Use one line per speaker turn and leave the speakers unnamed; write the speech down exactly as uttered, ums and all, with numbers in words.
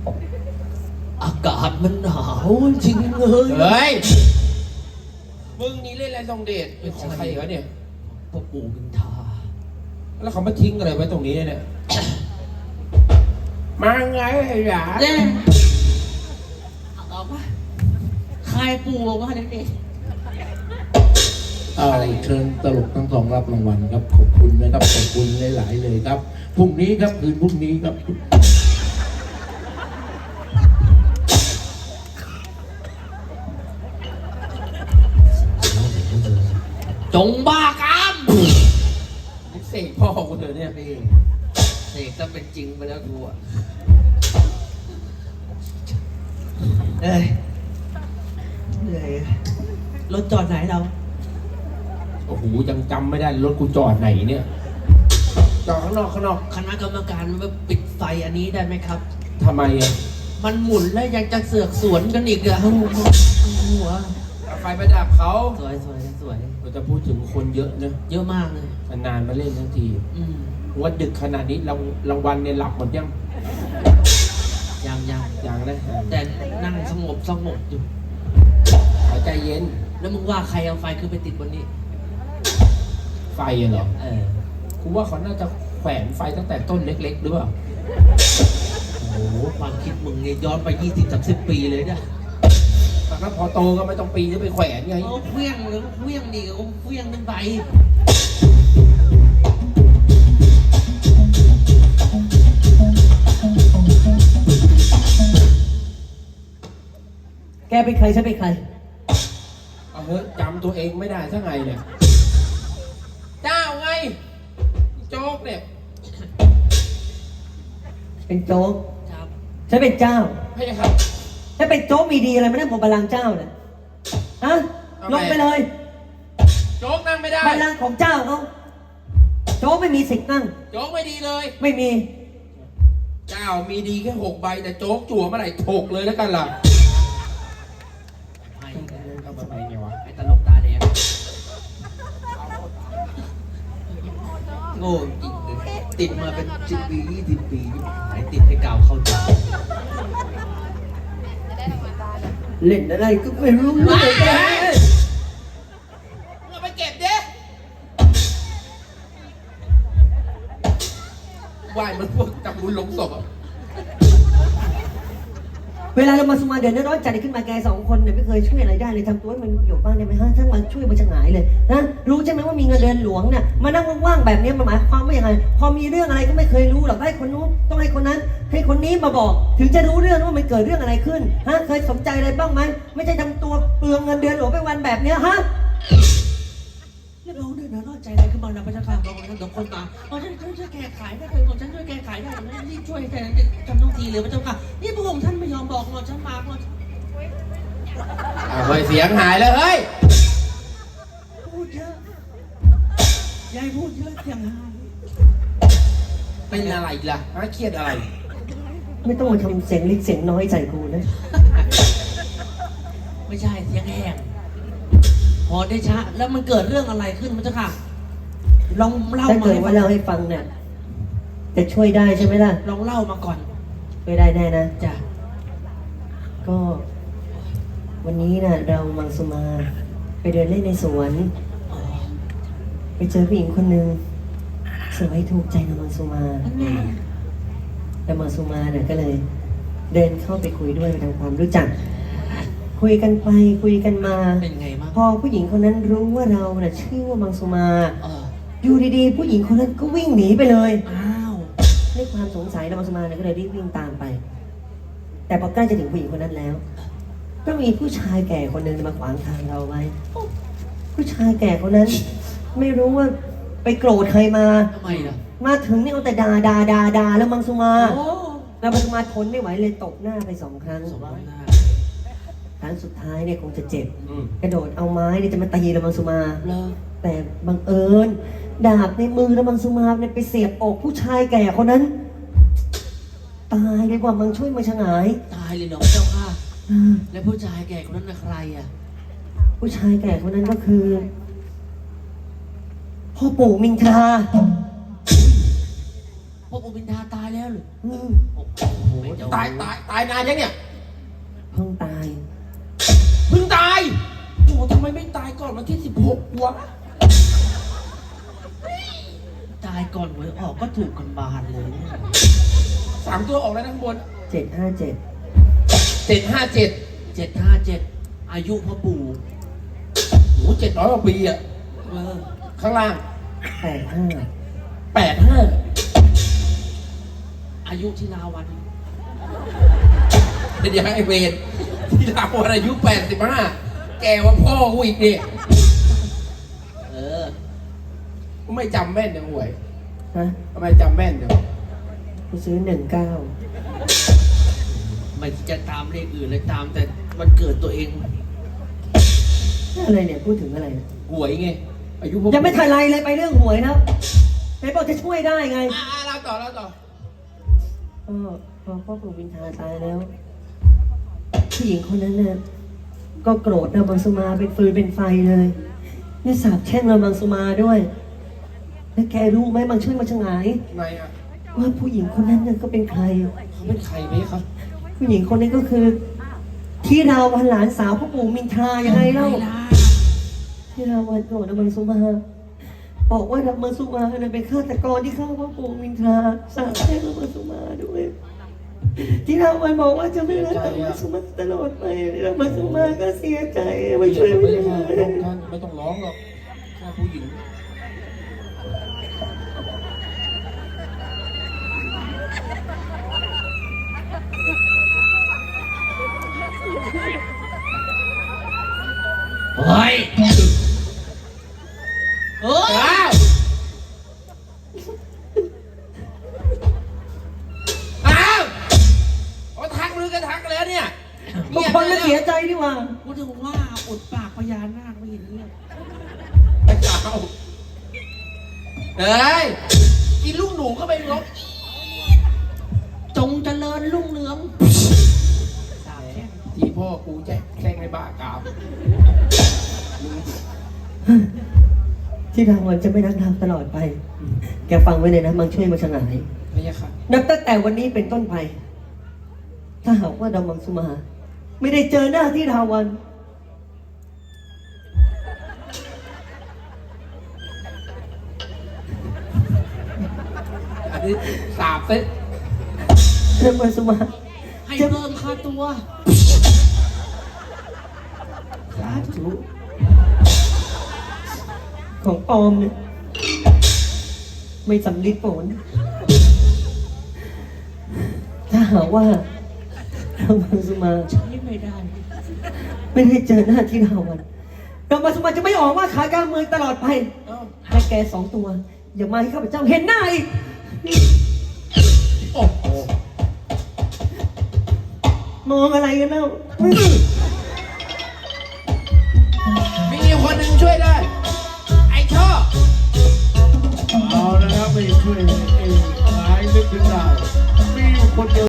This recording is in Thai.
อากาศมันหนาวจริงเลย
เฮ้ยมึงนี่เล่นอะไรทรงเดชเป็นของใครวะเนี่ย
พ่อปู่มินทา
แล้วเขามาทิ้งอะไรไว้ตรงนี้เนี่ย มาไงไอ้หลา
เด้เอาปะใครปู่ว่าเด็ก
เอาเชิญตลกทั้งสองรับรางวัลครับขอบคุณนะครับขอบคุณหลายๆเลยครับพรุ่งนี้ครับคืนพรุ่งนี้ครับ
จงบ้ากาม
เสกพ่อกูเถอะเนี่ย
นี่เสกจะเป็นจริงไปแล้วกูอ่ะเอ้ยเหนื่อยรถจอดไหนเรา
โอ้โหยังจำไม่ได้รถกูจอดไหนเนี่ยจอดข้างนอกข้างนอก
คณะกรรมการมาปิดไฟอันนี้ได้ไหมครับ
ทำไมอ่ะ
มันหมุนแล้วยังจะเสือกสวนกันอีกอะหัว
เอาไฟไปดับเขา
สวยสวยสวย
เราจะพูดถึงคนเยอะนะ
เยอะมากเลย
นานๆมาเล่นทั้งที
อืม
วันดึกขนาดนี้รางรางวัลเนี่ยหลับหมดยัง
ยังยัง
ยังนะ
แต่นั่งสงบสงบอยู่
ขอใจเย็น
แล้วมึงว่าใครเอาไฟคือไปติดบนนี้
ไฟอะเหรอ
เออ
กูว่าเขาน่าจะแขวนไฟตั้งแต่ต้นเล็กๆหรือเปล่า
โอ้โหความคิดมึงเนี่ยย้อนไปยี่สิบสามสิบปีเลยเนี่ย
แต่ถ้าพอโตก็ไม่ต้องปีนจะไปแขวนไง
เขาเคลี้ยงหรือเคลี้ยงดีเขาเคลี้ยงขึ้นไปแกเป็นใครฉันเป็นใคร
เอาเฮ้ยจำตัวเองไม่ได้ซะไงเนี่ย เจ้าไง โจ๊กเนี่ย
เป็นโจ๊ก
ครับ
ฉันเป็นเจ้า
ให้ครับ
ฉันเป็นโจ๊กมีดีอะไรไม่ได้ผมบัลลังก์เจ้าเนี่ยฮะ
เอาไง
ลงไปเลย
โจ๊กนั่งไม่ได้
บัลลังก์ของเจ้าเขาโจ๊กไม่มีสิทธิ์นั่ง
โจ๊กไม่ดีเลย
ไม่มี
เจ้ามีดีแค่หกใบแต่โจ๊กจั่วเมื่อไหร่ถกเลยแล้วกันล่ะ
ไอ้
เอามาไปไงวะ
ไอ้ตลกตาแดงโง่จริงเลยติดมาเป็นสิบปียี่สิบปีหายติดให้กาวเข้าใจ
เล่นอะไรก็ไม่รู้
ว้าย
เลยแก
เอาไปเก็บดิว่ายมันพวกจับบุญหลงศพอ่ะ
เวลาเรามาสมาเดือดร้อนใจขึ้นมาแกสองคนเนี่ยไม่เคยช่วยอะไรได้เลยทำตัวให้มันอยู่บ้างได้ไหมฮะถ้ามาช่วยมันจะหงายเลยนะรู้ใช่ไหมว่ามีเงินเดือนหลวงเนี่ยมานั่งว่างๆแบบนี้มันหมายความว่าอย่างไรพอมีเรื่องอะไรก็ไม่เคยรู้หรอกให้คนนู้นต้องให้คนนั้น ให้คนนี้มาบอก ถึงจะรู้เรื่องว่ามันเกิดเรื่องอะไรขึ้นฮะเคยสนใจอะไรบ้างไหมไม่ใช่ทำตัวเปลืองเงินเดือนหลวงไปวันแบบเนี้ยฮะ
เรียบร้อยเดือดร้อนใจอะไรขึ้นมานะพระเจ้าค่ะบอกฉันเดี๋ยวคนมาบอกฉันช่วยแก้ไขได้เลยบอกฉันช่วยแก้ไขได้ผมรีบช่วยแต่ทำต้องทีเลยพระเจ้าค่ะนี่พระองค์ท่านไม่ยอมบอกบอกฉันมาบอก
เอาเฮ้ยเสียงหายแล้วเฮ้ย
พูดเยอะยายพูดเยอะเสียงหาย
เป็นอะไรอีกล่ะฮะเครียดอะไร
ไม่ต้องมาทำเสียงเล็กเสียงน้อยใส่กูนะ
ไม่ใช่เสียงแห้งพอได้ชะแล้วมันเกิดเรื่องอะไรขึ้นพระเจ้าค่ะลองเล่า
ถ้า
มา
เกิด
ให้ฟั
ว่าง เล่าให้ฟังเนี่ยจะช่วยได้ใช่ไหมล่ะ
ลองเล่ามาก่อน
ช่วยได้แน่นะ
จ้ะ
ก็วันนี้น่ะเรามังสุมาไปเดินเล่นในสวน
อ๋อ
ไปเจอผู้หญิงคนหนึ่งสวยถูกใจนางมังสุมา
อันนี้
นางมังสุมาเนี่ยก็เลย เดินเข้าไปคุยด้วยไปทำความรู้จัก คุยกันไปคุยกันมา
เป็นไงบ้าง
พอผู้หญิงคนนั้นรู้ว่าเราเนี่ยชื่อว่ามังสุมา
เออ
อยู่ดีๆ ผู้หญิงคนนั้นก็วิ่งหนีไปเลย
อ้าว
ด้วยความสงสัยนางมังสุมาเนี่ยก็เลยรีบวิ่งตามไป แต่พอใกล้จะถึงผู้หญิงคนนั้นแล้ว ก็มีผู้ชายแก่คนหนึ่งมาขวางทางเราไว้ ผู้ชายแก่คนนั้น ไม่รู้ว่าไปโกรธใครมา
ทำไมล่ะ
มาถึงนี่เอาแต่ด่าด่าด่าด่าแล้วมังสุมา
โอ้
แล้วมังสุมาทนไม่ไหวเลยตบหน้าไปสองครั้ง
สมหน้า
ครั้งสุดท้ายเนี่ยคงจะเจ็บ
อืม
กระโดดเอาไม้เนี่ยจะมาตีแล้วมังสุมา
เลิก
แต่บังเอิญดาบในมือแล้วมังสุมาเนี่ยไปเสียบอกผู้ชายแก่คนนั้น ตายเลยกว่ามังช่วยมังชะงาย
ตายเลยเหรอพระเจ้าค่ะ
อ่า
แล้วผู้ชายแก่คนนั้นน่ะใครอ่ะ
ผู้ชายแก่คนนั้นก็คือพ่อปู่มิงทรา
พ่อปู่มินทราตายแล้วเหรือ
อืม
โอ้โห
ตายตายตายนานยังเนี่ย
เพิ่งตาย
เพิ่งตายโอ้โหทำไมไม่ตายก่อนวันที่สิบหกวะ
ตายก่อนหวยออกก็ถูกกันบานเลยเนี่ย
สามตัวออกแล้วทั้งบน
เจ็ดห้าเจ็ด
เจ็ดห้าเจ็ด
เจ็ดห้าเจ็ดอายุพ่อปู่
โอ้เจ็ดร้อยกว่าปีอะ
เออ
ข้างล่าง
แปดห้า
แปดห้า
อายุที่ลาวัน
เดี๋ยวไอเวนที่เราวันอายุแปดสิบห้าแกว่าพ่อกูอีกเนี่ย
เออ
ไม่จำแม่นเดี๋ยวหวย
ฮะ
ทำไมจำแม่นเดี๋ยว
กูซื้อหนึ่งเก้า
ไม่จะตามเลขอื่นเลยตามแต่วันเกิดตัวเอง
อะไรเนี่ยพูดถึงอะไรเนี่ย
หวยไงอายุผม
ยังไม่ทันไรเลยไปเรื่องหวยนะไหนบอกจะช่วยได้ไง
อ่าเราต่อเราต่อ
ก็พอพ่อปู่วินทาตายแล้วผู้หญิงคนนั้นเนี่ยก็โกรธนางมังสุมาเป็นฟืนเป็นไฟเลยเนี่ยสาบแช่งนางมังสุมาด้วยแล้วแกรู้ไหมบางช่วยมาชะงาย
ไงอ่ะ
ว่าผู้หญิงคนนั้นเนี่ยก็เป็นใคร
เขาเป็นใครไหมครับ
ผู้หญิงคนนี้ก็คือ ที่ราวันหลานสาวพ่อปู่มินทรายังไงเล่า ที่ราวันโกรธนางมังสุมาบอกว่านางมังสุมาเนี่ยเป็นฆาตกรที่ฆ่าพ่อปู่มินทราสาบแช่งนางมังสุมาด้วย ที่ราวันบอกว่าจะไม่รักนางมังสุมาตลอดไปนางมังสุมาก็เสียใจไม่ช่วยไม่
ไม่
ได้
ท่านไม่ต้องร้องหรอกแค่ผู้หญิง
เฮ้ยเฮ้ย
อ้าวอ้าวโอ้ทักลือกันทักแล้วเนี่ย
บางคนก็เสียใจดีกว่า
กูถึงว่าอดปากพญานาคไม่เห็นเนี่ย
ไม่เอาเฮ้ยกินลูกหนูก็ไปลบ
จงเจริญรุ่งเรืองสาบแช่ง
ที่พ่อกูแจ้งแจ้งในบ้ากาม
ที่ราวันจะไม่รักนางตลอดไป แกฟังไว้เลยนะมังช่วยมาชะงาย
ไม่ใช่ค่ะ
นับตั้งแต่วันนี้เป็นต้นไป ถ้าหากว่าดามังสุมา ไม่ได้เจอหน้าที่ราวัน
อันนี้สาบเซ็ต
ดามังสุมา
ให้เพิ่มค่าตัว
สาธุของปลอมเนี่ยไม่สำลิดผลถ้าหากว่าดามังสุมา
ใช้ไม่ได้
ไม่ได้เจอหน้าที่ราวันดามังสุมาจะไม่ออกว่าขายกลางเมืองตลอดไป
เอ้า
และแกสองตัว อย่ามาให้ข้าพเจ้าเห็นหน้าอีก
โอ้โห
มองอะไรกันเล่า